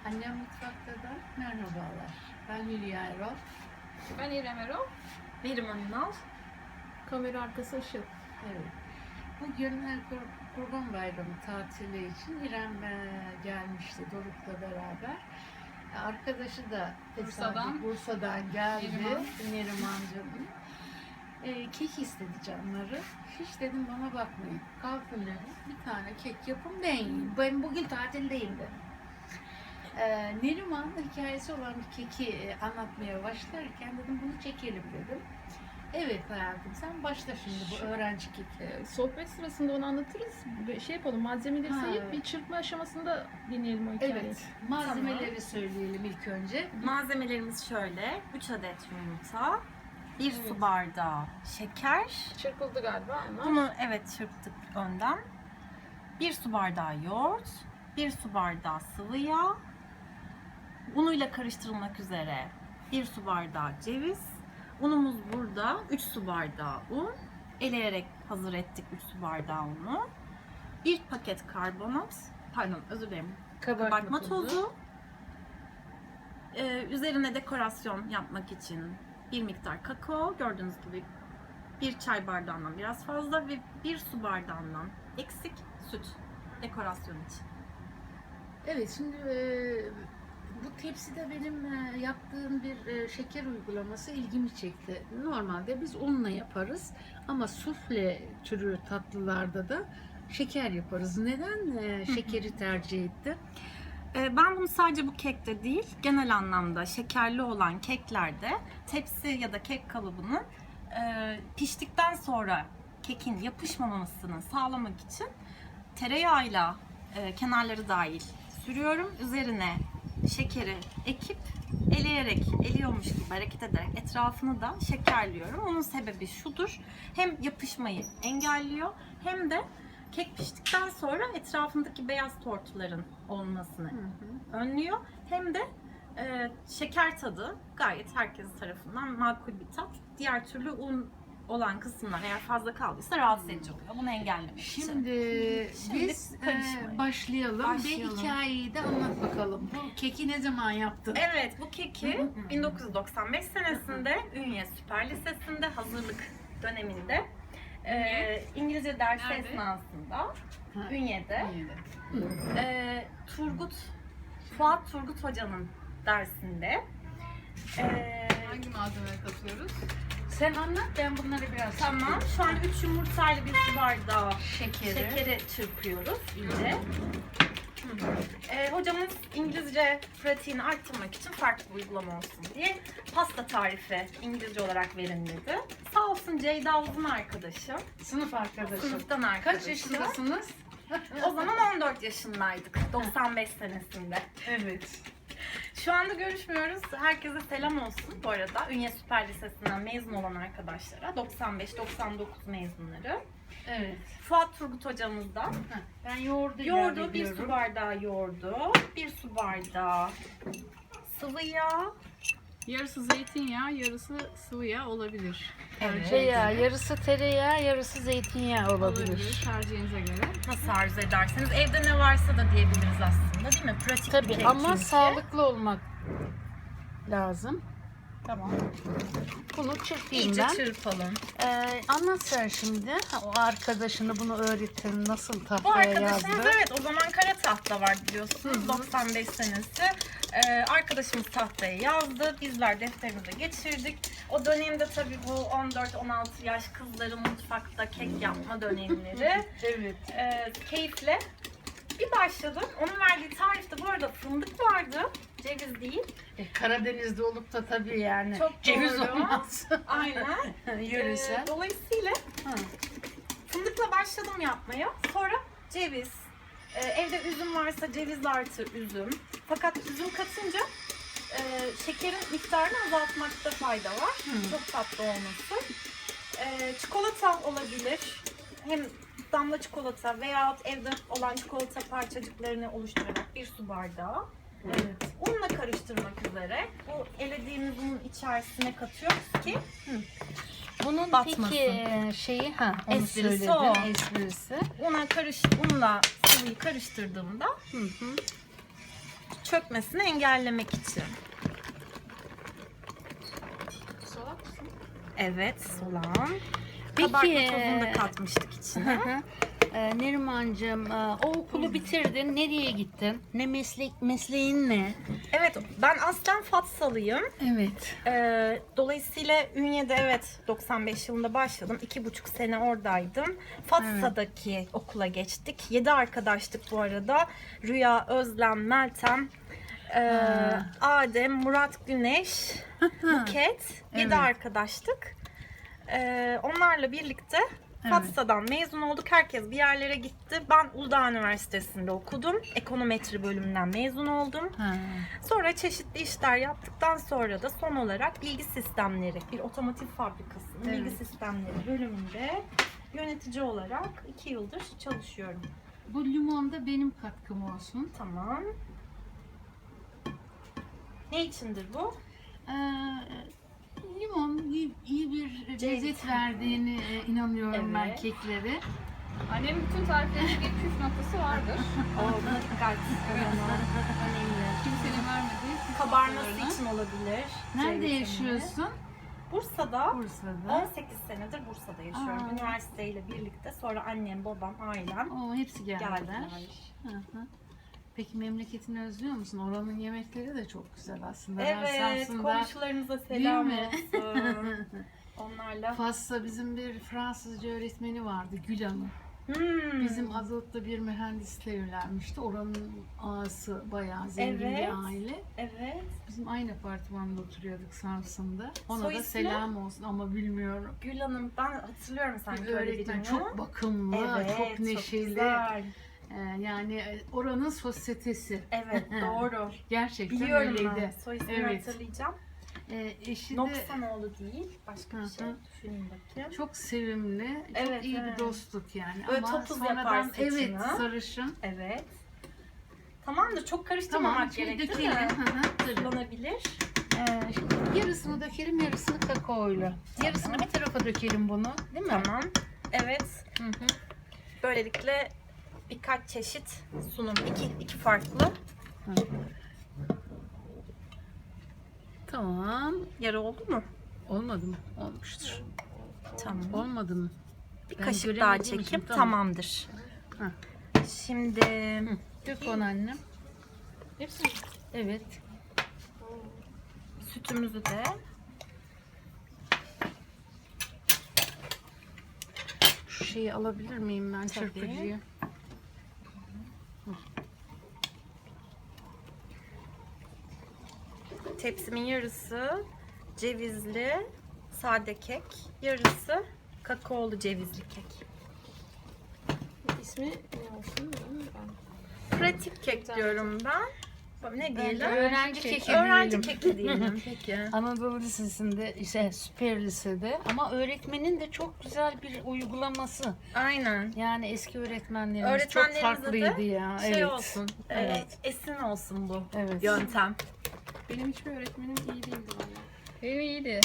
Annem mutfakta da merhabalar. Ben Hülya Erol. Ben İrem Erol. Neriman Ünal. Kamera arkası Işıl. Evet. Bugün Kurban Bayramı tatili için İrem gelmişti Doruk'la beraber. Arkadaşı da Bursa'dan geldi. Nerimancığım. Kek istedi canları. Hiç dedim bana bakmayın. Kalkın dedim. Bir tane kek yapın ben yiyeyim. Ben bugün tatildeyim dedim. Neriman'ın hikayesi olan bir keki anlatmaya başlarken dedim bunu çekelim dedim. Evet hayatım sen başla şimdi bu öğrenci keki. Sohbet sırasında onu anlatırız. Şey yapalım, malzemeleri sayıp bir çırpma aşamasında dinleyelim o hikayeyi. Evet, malzemeleri söyleyelim ilk önce. Malzemelerimiz şöyle. 3 adet yumurta, 1 su bardağı şeker. Çırpıldı galiba ama. Bunu çırptık önden. 1 su bardağı yoğurt, 1 su bardağı sıvı yağ, unuyla karıştırılmak üzere 1 su bardağı ceviz. Unumuz burada 3 su bardağı un. Eleyerek hazır ettik 3 su bardağı unu. 1 paket karbonat, kabartma tozu. Üzerine dekorasyon yapmak için bir miktar kakao, gördüğünüz gibi 1 çay bardağından biraz fazla ve 1 su bardağından eksik süt dekorasyon için. Evet şimdi bu tepside benim yaptığım bir şeker uygulaması ilgimi çekti. Normalde biz unla yaparız ama sufle türü tatlılarda da şeker yaparız. Neden şekeri tercih ettin? Ben bunu sadece bu kekte değil, genel anlamda şekerli olan keklerde tepsi ya da kek kalıbının piştikten sonra kekin yapışmamasını sağlamak için tereyağıyla kenarları dahil sürüyorum. Üzerine şekeri ekip eliyormuş gibi hareket ederek etrafını da şekerliyorum. Onun sebebi şudur: hem yapışmayı engelliyor hem de kek piştikten sonra etrafındaki beyaz tortuların olmasını önlüyor. Hem de şeker tadı gayet herkes tarafından makul bir tat. Diğer türlü un olan kısımlar eğer fazla kaldıysa rahatsız edici oluyor. Bunu engellemek için. Şimdi biz başlayalım ve hikayeyi de anlat bakalım. Bu keki ne zaman yaptın? Evet, bu keki 1995 senesinde Ünye Süper Lisesi'nde hazırlık döneminde İngilizce dersi esnasında Ünye'de Fuat Turgut Hoca'nın dersinde Hangi malzemeye katıyoruz? Sen anlat ben bunları biraz tamam. Şu an 3 yumurtayla 1 su bardağı şekeri çırpıyoruz ince. Hocamız İngilizce pratiğini arttırmak için farklı bir uygulama olsun diye pasta tarifi İngilizce olarak verin dedi. Sağ olsun Ceyda Uzun arkadaşım. Sınıf arkadaşım. Sınıftan arkadaşım. Kaç yaşındasınız? O zaman 14 yaşındaydık. 95 senesinde. Evet. Şu anda görüşmüyoruz. Herkese selam olsun bu arada. Ünye Süper Lisesi'nden mezun olan arkadaşlara. 95-99 mezunları. Evet. Fuat Turgut hocamızdan. Ben yoğurdu 1 su bardağı yoğurdu. 1 su bardağı sıvı yağ. Yarısı zeytinyağı, yarısı sıvı yağ olabilir. Evet. Yarısı tereyağı, yarısı zeytinyağı olabilir. Tercihinize göre. Nasıl arzu ederseniz. Evde ne varsa da diyebiliriz aslında, değil mi? Pratik Tabii bir kek ama çünkü. sağlıklı olmak lazım. Tamam. Bunu çırpayım İyice ben. çırpalım. Anlat sen şimdi. O arkadaşını bunu öğretin. Nasıl Bu tahtaya arkadaşımız yazdı? evet o zaman kara tahta var biliyorsunuz. 95 senesi. Arkadaşımız tahtaya yazdı. Bizler defterimize geçirdik. O dönemde tabii bu 14-16 yaş kızların mutfakta kek yapma dönemleri. Evet. Keyifle bir başladım. Onun verdiği tarifte bu arada fındık vardı. Ceviz değil. Karadeniz'de olup da tabii yani Çok ceviz doğru. olmaz. Aynen. Yöresel. Dolayısıyla fındıkla başladım yapmaya. Sonra ceviz. Evde üzüm varsa ceviz artı üzüm. Fakat üzüm katınca şekerin miktarını azaltmakta fayda var. Çok tatlı olması. Çikolata olabilir. Hem damla çikolata veyahut evde olan çikolata parçacıklarını oluşturarak 1 su bardağı. Evet. Unla karıştırmak üzere bu elediğimiz unun içerisine katıyoruz ki Bunun batmasın. peki şeyi onu Esprisi söyledin, o. esprisi. unla sıvıyı karıştırdığımda çökmesini engellemek için. Solak mısın? Evet, soğan. Peki, Kabartma tozunu da katmıştık içine. Nerimancığım, o okulu bitirdin. Nereye gittin? Ne mesleğin ne? Evet, ben aslen Fatsalıyım. Evet. Dolayısıyla Ünye'de evet 95 yılında başladım. 2,5 sene oradaydım. Fatsa'daki okula geçtik. 7 arkadaştık bu arada. Rüya, Özlem, Meltem, Adem, Murat, Güneş, Buket. 7 Evet. arkadaştık. Onlarla birlikte Fatsa'dan mezun olduk. Herkes bir yerlere gitti. Ben Uludağ Üniversitesi'nde okudum. Ekonometri bölümünden mezun oldum. Sonra çeşitli işler yaptıktan sonra da son olarak bilgi sistemleri, bir otomotiv fabrikasının Evet. bilgi sistemleri bölümünde yönetici olarak 2 yıldır çalışıyorum. Bu limonda benim katkım olsun. Tamam. Ne içindir bu? Limon iyi bir Ceviz. lezzet verdiğini inanıyorum ben Evet. keklere. Annemin bütün tariflerinde bir püf noktası vardır. Buna dikkat. Kimsenin vermediği püf Kabarması noktalarını. için olabilir. Nerede C vitamini. yaşıyorsun? Bursa'da. Bursa'da. 18 senedir Bursa'da yaşıyorum. Aa. Üniversiteyle birlikte. Sonra annem, babam, ailem Oo, hepsi geldiler. geldiler. Hı hı. Peki memleketini özlüyor musun? Oranın yemekleri de çok güzel aslında. Ben Evet, Samsun'da- komşularımıza selam Değil mi? olsun. Onlarla. Fas'ta bizim bir Fransızca öğretmeni vardı, Gül Hanım. Bizim Azot'ta bir mühendisle evlenmişti. Oranın ağası bayağı zengin Evet. bir aile. Evet. Bizim aynı apartmanda oturuyorduk Samsun'da. Ona Soy da ismi? selam olsun ama bilmiyorum. Gül Hanım, ben hatırlıyorum Bir sanki öyle öğretmen birini. çok bakımlı, Evet, çok neşeli. güzel. Yani oranın sosyetesi. Evet, doğru. Gerçekten Biliyorum öyleydi. ben. Soy ismini Evet. hatırlayacağım. Eşi de Noksanoğlu değil. Başka bir Hı şey. hı. Düşünün bakayım. çok sevimli, çok Evet, iyi evet. bir dostluk yani. Böyle Ama topuz sonradan yapar saçını. evet sarışın. Evet. Tamamdır. Çok karıştırmamak Tamam, gerekir dökelim. mi? Hı hı, tabii. Kullanabilir. Şimdi yarısını dökelim, yarısını kakaoyla. Yarısını bir tarafa dökelim bunu, değil mi? Tamam. Evet. Hı hı. Böylelikle birkaç çeşit sunum. İki farklı. Tamam. Yarı oldu mu? Olmadı mı? Olmuştur. Tamam. Olmadı mı? Bir Ben kaşık daha göremediğim için çekeyim. tamam. Tamamdır. Hı. Şimdi Dök onu annem. Hepsi mi? Evet. sütümüzü de Şu şeyi alabilir miyim ben, çırpıcıyı? tepsimin yarısı cevizli sade kek, yarısı kakaolu cevizli kek. İsmi ne olsun? Pratik kek diyorum ben. Ne diyelim? Öğrenci keki Öğrenci diyelim. keki diyelim. Peki. Anadolu Lisesi'nde, süper lisede, ama öğretmenin de çok güzel bir uygulaması. Aynen. Yani eski öğretmenlerimiz çok Öğretmenlerimize de farklıydı ya. Şey Evet. olsun, Evet. esin olsun bu Evet. yöntem. Benim hiçbir öğretmenim iyi değildi valla. Benim iyiydi.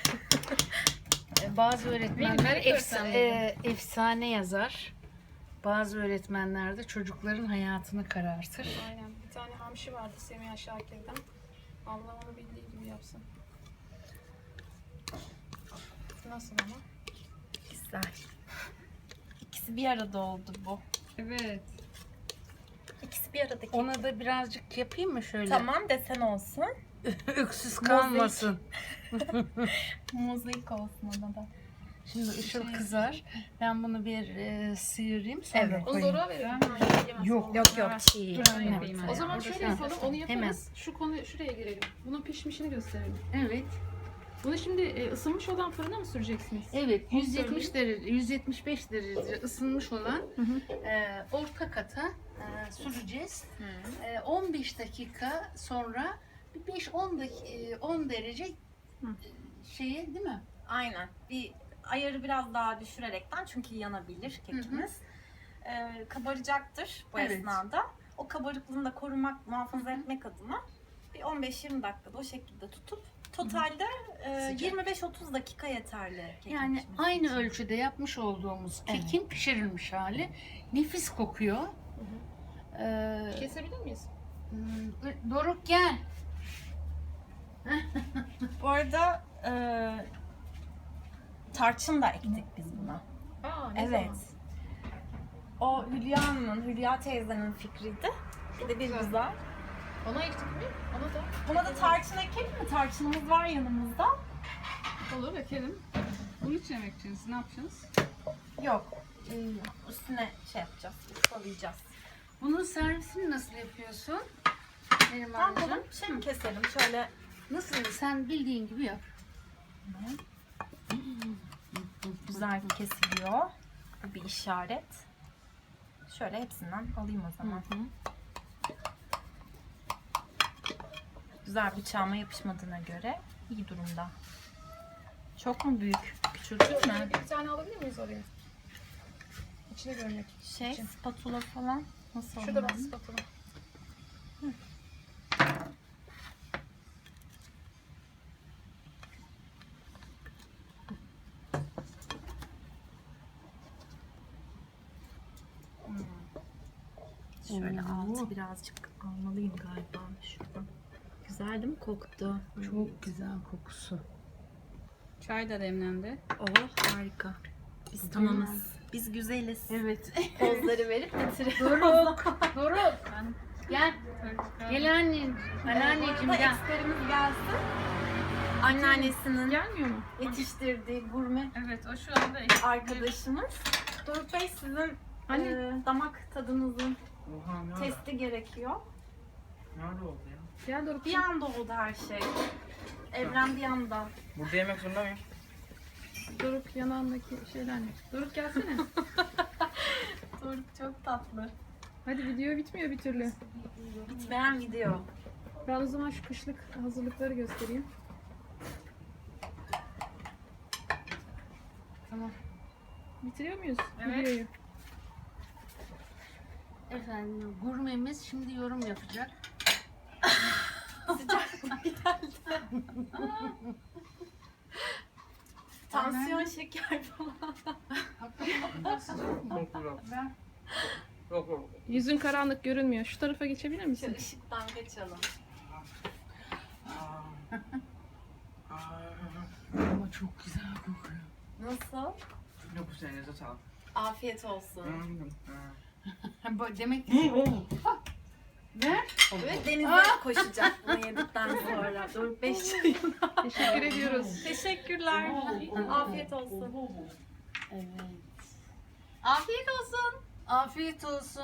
Bazı öğretmenler Benim öğretmenim. efsane yazar. Bazı öğretmenler de çocukların hayatını karartır. Aynen. Bir tane hamşi vardı Semiha Şakir'den. Allah onu bildiği gibi yapsın. Nasıl ama? Güzel. İkisi bir arada oldu bu. Evet. İkisi bir arada kek. Ona da birazcık yapayım mı şöyle? Tamam, desen olsun. Öksüz kalmasın. Mozaik olsun ona da. Şimdi ışıl kızar. Ben bunu bir sıyırayım, sonra Evet. Onu koyayım. doğru verelim. Yok, Yok çiğ. Dur ben yapayım. O zaman şöyle Ha. yapalım. Onu yaparız. Hemen. Şu konuya şuraya girelim. Bunun pişmişini gösterelim. Evet. Bunu şimdi ısınmış olan fırına mı süreceksiniz? Evet, 170 derece, 175 derece ısınmış olan orta kata süreceğiz. 15 dakika sonra bir 5-10 derece şeye, değil mi? Aynen. Bir ayarı biraz daha düşürerekten, çünkü yanabilir kekimiz. Kabaracaktır bu Evet. esnada. O kabarıklığını da korumak, muhafaza etmek adına bir 15-20 dakikada o şekilde tutup totalde Sıcak. 25-30 dakika yeterli. kekin Yani pişmesi aynı için. ölçüde yapmış olduğumuz Evet. kekin pişirilmiş hali. Nefis kokuyor. Kesebilir miyiz? Doruk gel. Bu arada tarçın da ektik biz buna. Aa, ne Evet. zaman? O Hülya teyzenin fikriydi. Bir de bir güzel. Ona ektik mi? Ona da. Buna da tarçın ekelim mi? Tarçınımız var yanımızda. Olur, ekelim. Bunun içine mi ekeceksiniz? Ne yapacaksınız? Yok. Üstüne şey yapacağız. Iskalayacağız. Bunun servisini nasıl yapıyorsun? Ne Nerimancığım. yapalım? Şey mi keselim? Şöyle Nasıl? Sen bildiğin gibi yap. güzel kesiliyor. Bu bir işaret. Şöyle hepsinden alayım o zaman. Güzel, bıçağıma yapışmadığına göre iyi durumda. Çok mu büyük? Küçültür mü? Bir tane alabilir miyiz oraya? İçine görmek. Şey, spatula falan nasıl Şurada olur? bak spatula. Şöyle altı birazcık almalıyım galiba şuradan. Güzel değil mi koktu? Çok güzel kokusu. Çay da demlendi. Oh harika. Biz tamamız. Biz güzeliz. Evet. Pozları verip bitiriyoruz. Doruk. Gel. Gel annen. Anneanneciğim Bu gel. eksperimiz gelsin. Anneannesinin Gelmiyor mu? yetiştirdiği gurme Evet, o şu anda ekmek. arkadaşımız. Doruk Bey, sizin Anne. damak tadınızın Oha ne ara? testi gerekiyor. Nerede oldu ya? Gel Doruk. Bir anda oldu her şey. Evren bir anda. Burada yemek zorunda mıyım? Doruk yanağındaki şeyler ne? Doruk gelsene. Doruk çok tatlı. Hadi video bitmiyor bir türlü. Bitmeyen video. Ben o zaman şu kışlık hazırlıkları göstereyim. Tamam. Bitiriyor muyuz Evet. videoyu? Efendim gurmemiz şimdi yorum yapacak. Tansiyon, şeker falan. Çok güzel. Yok yok. Yüzün karanlık görünmüyor. Şu tarafa geçebilir Şu misin? ışıktan kaçalım. Ama çok güzel kokuyor. Nasıl? Yok bu senenize sağlık. Afiyet olsun. Demek ki ver. Ve denize koşacak bunu yedikten sonra. Doruk Bey çayına. Teşekkür ediyoruz. Teşekkürler. Afiyet olsun. Evet. Afiyet olsun. Afiyet olsun.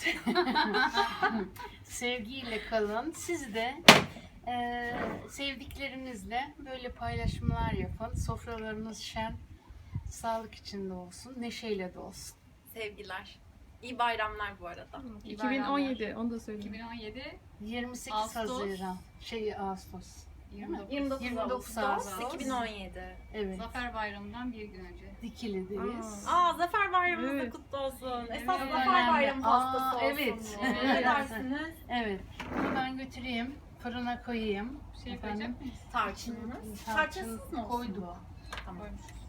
Sevgiyle kalın. Siz de sevdiklerinizle böyle paylaşımlar yapın. Sofralarınız şen, sağlık içinde olsun, neşeyle de olsun. Sevgiler. İyi bayramlar bu arada. 2017 onu da söyleyeyim. 2017 28 Ağustos. Haziran, Ağustos. 29. 29 Ağustos. Ağustos 2017. Evet. Zafer Bayramı'ndan bir gün önce. Dikili'deyiz. Zafer Bayramımız da Evet. kutlu olsun. Evet, Esas çok Zafer önemli. Bayramı pastası olsun. Evet. bu. Ne dersiniz? Evet. Bunu ben götüreyim, fırına koyayım. Bir şey Efendim? koyacak mıyız? Tarçınınız. Tarçınsız mı olsun? Koydu. Tamam. Koymuş.